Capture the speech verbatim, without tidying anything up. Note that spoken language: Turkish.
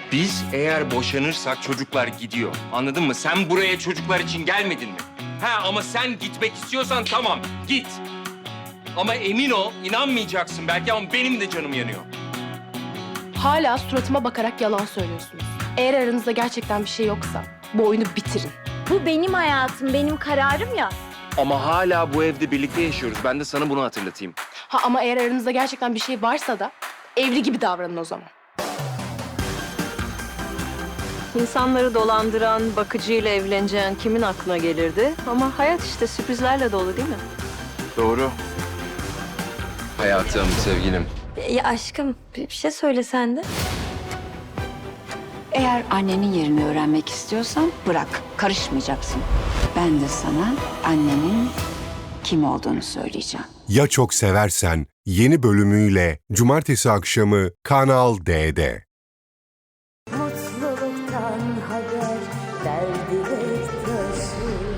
Biz eğer boşanırsak çocuklar gidiyor. Anladın mı? Sen buraya çocuklar için gelmedin mi? Ha ama sen gitmek istiyorsan tamam git. Ama emin ol inanmayacaksın belki ama benim de canım yanıyor. Hala suratıma bakarak yalan söylüyorsunuz. Eğer aranızda gerçekten bir şey yoksa bu oyunu bitirin. Bu benim hayatım, benim kararım ya. Ama hala bu evde birlikte yaşıyoruz. Ben de sana bunu hatırlatayım. Ha ama eğer aranızda gerçekten bir şey varsa da evli gibi davranın o zaman. İnsanları dolandıran, bakıcıyla evleneceğin kimin aklına gelirdi? Ama hayat işte sürprizlerle dolu değil mi? Doğru. Hayatım, sevgilim. Ya aşkım, bir şey söylesen de. Eğer annenin yerini öğrenmek istiyorsan bırak, karışmayacaksın. Ben de sana annenin kim olduğunu söyleyeceğim. Ya Çok Seversen yeni bölümüyle cumartesi akşamı Kanal D'de. Mutluluktan haber, derdi hep taşı.